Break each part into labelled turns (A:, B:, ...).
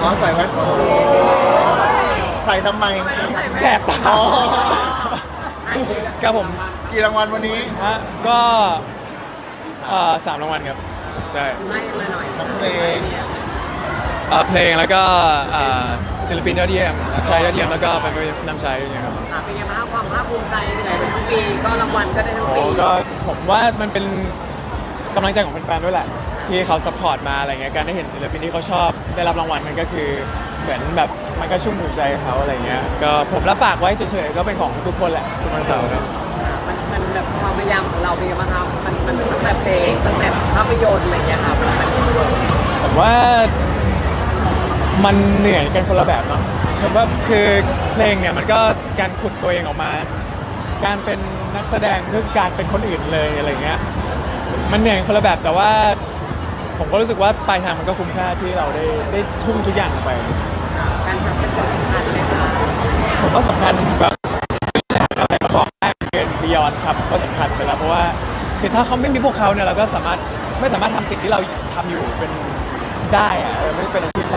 A: อ๋อใส่แว่นใส่ทำไม
B: แสบตา
A: อ๋อ
B: ครับผม
A: กี่รางวัลวันนี้
B: ฮะก็3 รางวัลครับใช่
C: ไล่มาหน่อย
A: ทั้งเพลง
B: เพลงแล้วก็ศิลปินยอดเยี่ยมชายยอดเยี่ยมแล้วก็เป็นนำชายอย่างเงี้ยครับ
C: ค่ะเป็นไงบ้างความภาคภูมิใจไปไหนเป็นทั้งปีก็รางวัลก็ได้ทั้ง
B: โอ้
C: ปี
B: ก็ผมว่ามันเป็นกำลังใจของแฟนๆด้วยแหละที่เขาซัพพอร์ตมาอะไรเงี้ยการได้เห็นศิลปินที่เขาชอบได้รับรางวัลมันก็คือเหมือนแบบมันก็ชุ่มหัวใจเขาอะไรเงี้ยก็ผมรับฝากไว้เฉยๆก็เป็นของทุกคนแหละทุกวันเสาร์ครับ
C: มันแบบความพยายามของเราเป็นไงบ้างครับมันตั้งแต่เพลงตั้งแต่ภาพยนตร์อะไรอย่างเงี้ยค่ะมัน
B: ผมว่ามันเหนื่อยกันคนละแบบเนาะผมว่าคือเพลงเนี่ยมันก็การขุดตัวเองออกมา การเป็นนักแสดงเพื่อการเป็นคนอื่นเลยอะไรเงี้ยมันเหนื่อยคนละแบบแต่ว่าผมก็รู้สึกว่าปลายทางมันก็คุ้มค่าที่เราได้ทุ่มทุกอย่างลงไป
C: การทำเป็นคนสำคัญเลยค่ะ
B: ผมว่าสำคัญแบบอะไรมาบอกได้เกินบิยอนครับก็สำคัญไปแล้วเพราะว่าคือถ้าเขาไม่มีพวกเขาเนี่ยเราก็ไม่สามารถทำสิ่งที่เราทำอยู่เป็นได้อะไม่เป็นอาชีพ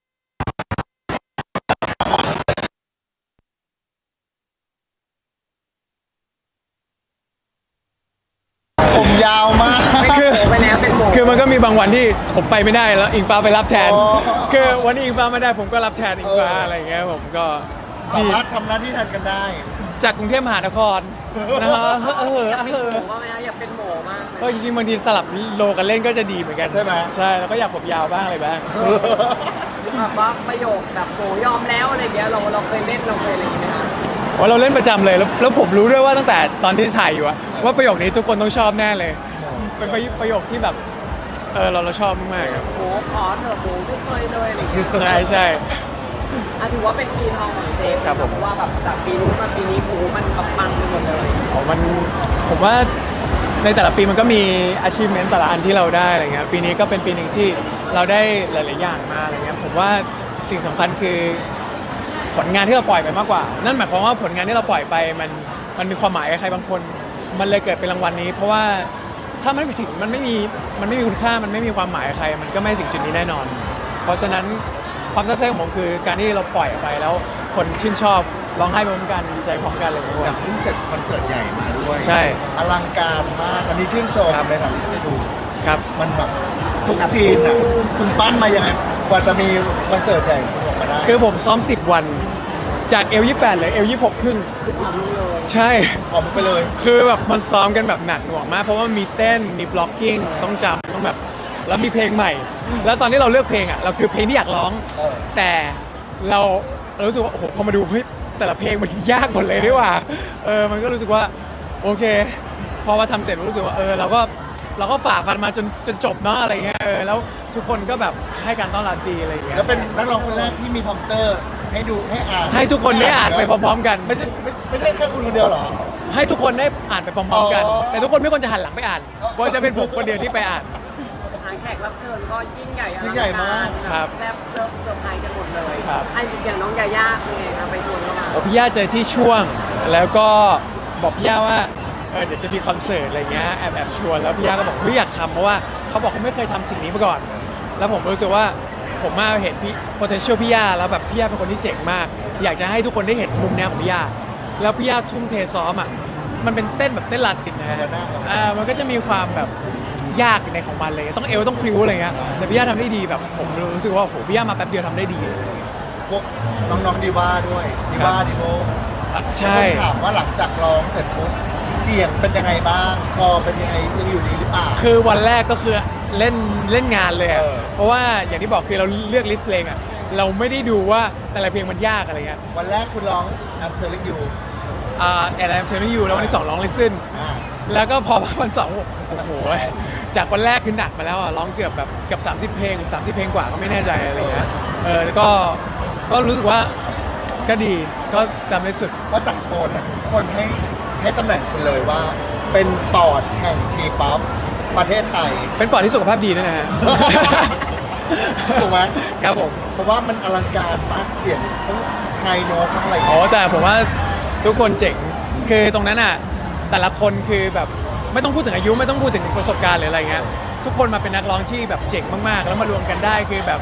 A: ผมยาวมาก
B: คือ
C: ไปแล้วเป็นโม
B: คือมันก็มีบางวันที่ผมไปไม่ได้แล้วอิงฟ้าไปรับแทน
A: อ๋อ
B: คือวันนี้อิงฟ้าไม่ได้ผมก็รับแทนอิงฟ้าอะไรอย่างเงี้ยผมก็
A: สามารถทำหน้าที่แทนกันได้
B: จากกรุงเทพมหานครนะฮะ
C: อยากเป็นโมว่าไหมคะอยากเป็นโมมาก
B: ก็จริงๆบางทีสลับโลกันเล่นก็จะดีเหมือนกัน
A: ใช่ไหม
B: ใช่แล้วก็อยากผมยาวบ้างอะไรบ้าง
C: แบบว่าประโยคแบบโมยอมแล้วอะไรเงี้ยเราเคยเล่นเราเคยอะไรอย่างเงี้ยไหมคะ
B: ว่าเราเล่นประจำเลยแล้วผมรู้ด้วยว่าตั้งแต่ตอนที่ถ่ายอยู่อะว่าประโยคนี้ทุกคนต้องชอบแน่เลย เป็นประโยคที่แบบเราชอบมากๆครับ
C: โมขอเถอะโมทุกเคยเลยอะไรอย่างเงี้ย
B: ใช่ใช่
C: ถือว่าเป็นปีทองของเจฟ
B: ครับผม
C: เพราะว่าแบบจากปีนู้นมาปีนี้โอ้โหมันแบบปังไปหมดเลย
B: ผมว่าในแต่ละปีมันก็มี achievement แต่ละอันที่เราได้อะไรเงี้ยปีนี้ก็เป็นปีหนึ่งที่เราได้หลาย ๆ อย่างมาอะไรเงี้ยผมว่าสิ่งสำคัญคือผลงานที่เราปล่อยไปมากกว่า นั่นหมายความว่าผลงานที่เราปล่อยไปมันมีความหมายกับใครบางคน มันเลยเกิดเป็นรางวัลนี้ เพราะว่าถ้ามันไม่ถึงมันไม่มีคุณค่ามันไม่มีความหมายกับใคร มันก็ไม่ถึงจุดนี้แน่นอน เพราะฉะนั้นความตั้งใจของผมคือการที่เราปล่อยออกไปแล้วคนชื่นชอบร้องไห้ไปพร้อมกันดีใจพร้อมกันอะไรอย่างเงี้ย
A: อยากเพิ่งเสร็จคอนเสิร์ตใหญ่มาด้วย
B: ใช่
A: อลังการมาก อันนี้ชื่นชม
B: ครับ
A: ในฐานะที่ได้ดู
B: ครับ
A: มันแบบทุกซีนอ่ะ คุณปั้นมายังไง กว่าจะมีคอนเสิร์ตใหญ่คุณออกมาได้
B: คือผมซ้อม 10 วันจากเอล28เลยเอล26ครึ่ง
C: คือผอมลงเลย
B: ใช่
A: ออกไปเลย
B: คือแบบมันซ้อมกันแบบหนักหน่วงมาก เพราะว่ามีเต้นมีบล็อกกิ้งต้องจำต้องแบบแล้วมีเพลงใหม่ แล้วตอนที่เราเลือกเพลงอ่ะเราคือเพลงที่อยากร้อง
A: เออ
B: แต่เรารู้สึกว่าโอ้โหพอมาดูเฮ้ยแต่ละเพลงมันยากหมดเลยดีกว่ามันก็รู้สึกว่าโอเค พอมาทำเสร็จรู้สึกว่าเราก็ฝ่าฟันมาจนจบเนาะอะไรเงี้ยแล้วทุกคนก็แบบให้การต้อนรับดีอะไรเงี้ย
A: แล้วเป็นนักร้องคนแรกที่มีพรอมเตอร์ให้ดูให้อ่าน
B: ให้ทุกคนได้อ่านไปพร้อมๆกัน
A: ไม่ใช่แค่คุณคนเดียวเหรอ
B: ให้ทุกคนได้อ่านไปพร้อมๆกัน
A: อ๋อ
B: แต่ทุกคนไม่ควรจะหันหลังไปอ่านควรจะเป็นผมคนเดียวที่ไปอ่าน
C: ทางแขกรับเชิญก็ยิ่งใหญ่อลั
A: ยิ่งใหญ่มาก
B: ครับ
C: แซ่บเซอร์ไพรส์กันหมดเลย
B: ครับ
C: ไอ้อย่างน้องยาย่าเป็นไงคะไปชวนเข้ามา
B: พี่ย่าเจอที่ช่วง แล้วก็บอกพี่ย่าว่าเดี๋ยวจะมีคอนเสิร์ตอะไรเงี้ยแอบชวนแล้วพี่ย่าก็บอกเฮ้ยอยากทำเพราะว่าเขาบอกเขาไม่เคยทำสิ่งนี้มาก่อน แล้วผมรู้สึกว่าผมมาเห็นพี่ potential พี่ย่าแล้วแบบพี่ย่าเป็นคนที่เจ๋งมาก อยากจะให้ทุกคนได้เห็นมุมเนี้ยของพี่ย่าแล้วพี่ย่าทุ่มเทซ้อมอ่ะมันเป็นเต้นแบบเต้นลาตินนะฮะมันก็จะมีความแบบยากในของมันเลยต้องเอวต้องพริ้วอะไรเงี้ยแต่พี่ย่าทำได้ดีแบบผมรู้สึกว่าโหพี่ย่ามาแป๊บเดียวทำได้ดีเลย
A: พวกน้องๆดีว่าด้วยดีว่าดีโบ
B: ใช่
A: ผมถามว่าหลังจากร้องเสร็จปุ๊บเสียงเป็นยังไงบ้าง คอเป็นยังไงยังอยู่ดีหรือเปล่า
B: คือวันแรกก็คือเล่นงานเลยอะ
A: เออ
B: เพราะว่าอย่างที่บอกคือเราเลือกลิสต์เพลงอ่ะเราไม่ได้ดูว่าแต่ละเพลงมันยากอะไรเงี้ย
A: วันแรกคุณร้อง I'm Telling You
B: แอนด์เซอร์อยู่แล้ววันที่2ร้องลิซึน
A: อ่า
B: แล้วก็พอวันสองโอ้โหจากวันแรกคือหนักมาแล้วอะร้องเกือบแบบเกือบ30 เพลง30 เพลงกว่าก็ไม่แน่ใจอะไรเงี้ยแล้วก็รู้สึกว่าก็ดีก็ทำได้สุด
A: เพราะจากโชนอ่ะทุกคนให้ตำแหน่งคุณเลยว่า เป็นปอดแห่งทีป๊อปประเทศไทย
B: เป็นปอดที่สุขภาพดีด้วยนะฮะ
A: ถูกไหม
B: ครับผม
A: เพราะว่ามันอลังการมากเสียงทั้งไฮโน้ตทั้งอะไร
B: อ๋อแต่ผมว่าทุกคนเจ๋งคือตรงนั้นอ่ะแต่ละคนคือแบบไม่ต้องพูดถึงอายุไม่ต้องพูดถึงประสบการณ์หรืออะไรเงี้ยทุกคนมาเป็นนักร้องที่แบบเจ๋งมากๆ แล้วมารวมกันได้คือแบบ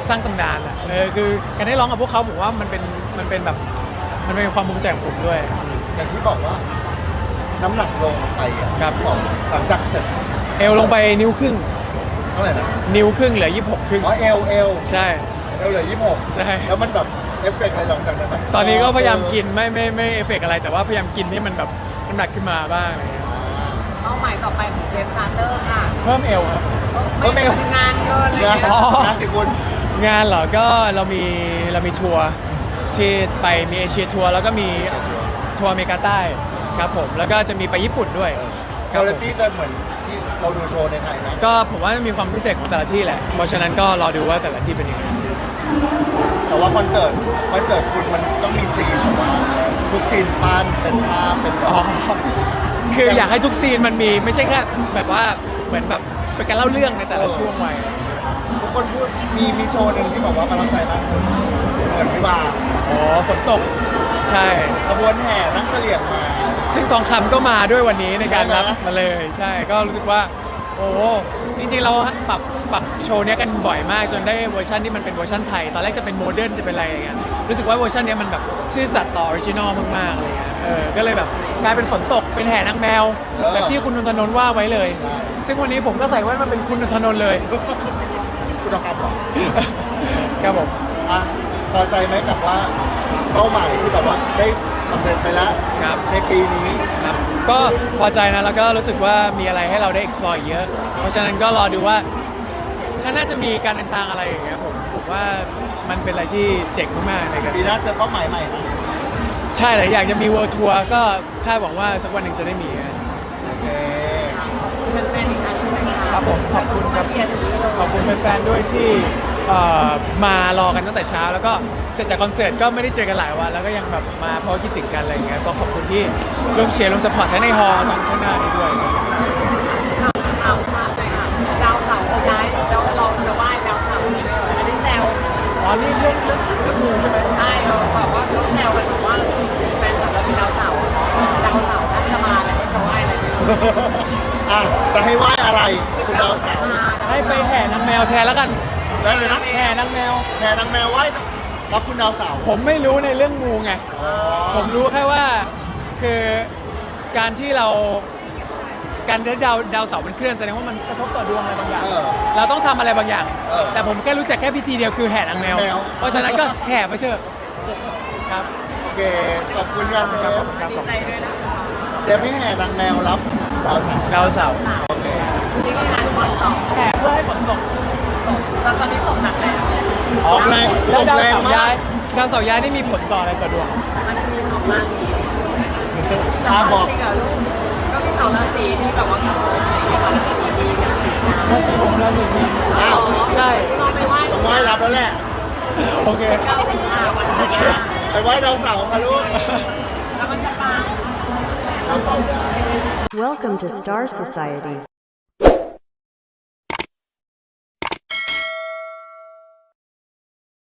B: สร้างตำนานอะคือการได้ร้องกับพวกเขาผมว่ามันเป็นแบบมันเป็นความภูมิใจของผมด้วย
A: อย่างที่บอกว่าน้ำหนักลงไปอ่ะ
B: ครับ
A: สองหลังจากเสร็จ
B: เอวลงไปนิ้วครึ่ง
A: เท่าไหร่นะ
B: นิ้วครึ่งเหลือ26ครึ่ง
A: อ๋อเอล
B: ใช่
A: เหลือ
B: ใช่
A: 26แล้วมันแบบเอฟเฟกต์อะไรหลังจากนั้นไหม
B: ตอนนี้ก็พยายามกินไม่เอฟเฟกต์อะไรแต่ว่าพยายามกินให้มันแบบน้ำหนักขึ้นมาบ้างอะไรเงี้ย
C: เป้าหมายต่อไปของเจมส์ซาเตอร์ค่ะ
B: เพิ่มเอวครับ
C: ไม่ทำงานเกินอะไร
A: งาน
C: เงี้ย
B: อ๋อ
A: งานสิคุณ
B: งานเหรอก็เรามีทัวร์ที่ไปมีเอเชียทัวร์แล้วก็มีทัวร์อเมริกาใต้ครับผมแล้วก็จะมีไปญี่ปุ่นด้วยค
A: คุ
B: รับ
A: ณ
B: ผม
A: ภาพจะเหมือนที่เราดูโชว์ในไทยไหม
B: ก็ผมว่ามีความพิเศษของแต่ละที่แหละเพราะฉะนั้นก็รอดูว่าแต่ละที่เป็นยังไง
A: แต่ว่าคอนเสิร์ตคุณมันต้องมีซีนแบบว่าทุกซีนปั้นเป็นภาพเป็นแบบ
B: อ๋อคืออยากให้ทุกซีนมันมีไม่ใช่แค่แบบว่าเหมือนแบบเป็นการเล่าเรื่องในแต่ละช่วงวัย
A: ทุกคนพูดมีโชว์หนึ่งที่บอกว่าประทับใจมากคุณเหมือนวิวาห์
B: อ๋อฝนตกใช่
A: ขบวนแห่นั่งเสลี่ยงมา
B: ซึ่งทองคำก็มาด้วยวันนี้ในการรับ
A: ใช่ไหม
B: มาเลยใช่ก็รู้สึกว่าโอ้จริงๆเราปรับโชว์เนี้ยกันบ่อยมากจนได้เวอร์ชันที่มันเป็นเวอร์ชันไทยตอนแรกจะเป็นโมเดิร์นจะเป็นอะไรอย่างเงี้ยรู้สึกว่าเวอร์ชันเนี้ยมันแบบซื่อสัตย์ต่อออริจินอลมากๆอะไรเงี้ยก็เลยแบบกลายเป็นฝนตกเป็นแห่นางแมว แบบที่คุณนนทนนท์ว่าไว้เลย ซึ่งวันนี้ผมก็ใส่แว่นมาเป็นคุณนนทนนท์เลย
A: คุณธรรมเหรอ
B: ครับผม
A: อ่ะพอใจไหมกับว่าเป้าหมายที่แบบว่าได้สำเร็จไปแล้ว
B: ครับ
A: ในปีนี้
B: ครับก็พอใจนะแล้วก็รู้สึกว่ามีอะไรให้เราได้ explore เยอะ เพราะฉะนั้นก็รอดูว่าข้างหน้าจะมีการเดินทางอะไรอย่างเงี้ยผมว่ามันเป็นอะไรที่เจ๋งมากๆเลยครับ
A: ปีหน้าเจอเป้าหมายใหม่นะ
B: ใช่เลยอยากจะมี world tour ก็คาดหวังว่าสักวันหนึ่งจะได้มีครับ
A: โอเค
C: เป็นแฟนอีกครั้งหนึงไหมะ
B: ครับผมขอบคุณครับ
C: มาเชียร์ถึงนี้เลย
B: ขอบคุณแฟนๆด้วยที่มารอกันตั้งแต่เช้า แล้วก็เสร็จจากคอนเสิร์ตก็ไม่ได้เจอกันหลายวันแล้วก็ยังแบบมาเพราะคิดถึงกันอะไรอย่างเงี้ยก็ขอบคุณที่ร่วมเชียร์ร่วมสปอร์ตทั้งในฮอลล์ทั้งข้างหน้านี้ด้วย
C: ข่าวมาเลยค่ะดาวเสาร์จะย้ายเราจะไหว้ดาวเสาร์นี่อันนี้แซว
B: อ๋อนี่เรื่องมูใช่ไหม
C: ใช่เราแบบว่าเขาแซวกันแบบว่าแฟนคลับเราเป็นดาวเสาร์ท่านจะมาแล้วให้เขาไหว้อะไรเนี่ย
A: อ่ะจะให้ไหว้อะไรคุณดาวสาว
B: ให้ไปแห่นางแมวแทนแล้วกัน
A: ได้เลยนะ
B: แห่นางแมว
A: แห่นางแมวไหว้รับคุณดาวสาว
B: ผมไม่รู้ในเรื่องงูไง
A: อ๋อ
B: ผมรู้แค่ว่าคือการที่เราการได้ดาวเสาร์มันเคลื่อนแสดงว่ามันกระทบต่อดวงอะไรบางอย่าง เราต้องทำอะไรบางอย่าง แต่ผมแค่รู้จักแค่พิธีเดียวคือแห่นางแมว เพราะฉะนั้นก็แห่ไปเถอะครับ
A: โอเคขอบคุณครับเจ
B: ครับ
A: ฟ
B: ผมครับ
C: ดี
B: ผม
C: ใจด้วยนะคะ
A: เจฟให้แห่นางแมวรับดาวสาว
B: ดาวเสาร์
A: โอเค
C: นี่ก็งานฝนตก
B: แห่เพื่อให้ฝนตก
C: แล้วตอนนี้ตกหนักแล้ว
A: ตกแรง
B: แล้ว
A: ตก
B: ดาว
A: แรง
B: เสาร์
A: มา
B: ย้าก ยดาวเสาร์ย้ายนี่มีผลต่ออะไรต่อดวง
C: มันมีสองราศี
A: ตาบอก
C: จริงเหรอลูกก็มีสองราศีที่แบบว่ากับราศีดีกับราศีน้ำ
B: ราศีผมราศีมีน
A: อ้าว
B: ใช่
C: เราไปไหว้
A: ต้องไหว้รับแล้วแหละ
B: โอเค
C: เก้าสิงหาวันนั้น
A: ไปไหว้ดาวเสาร์ค่ะลูก
C: แล้วมันจะปัง
A: ดาวเสาร์
D: Welcome to Star Society.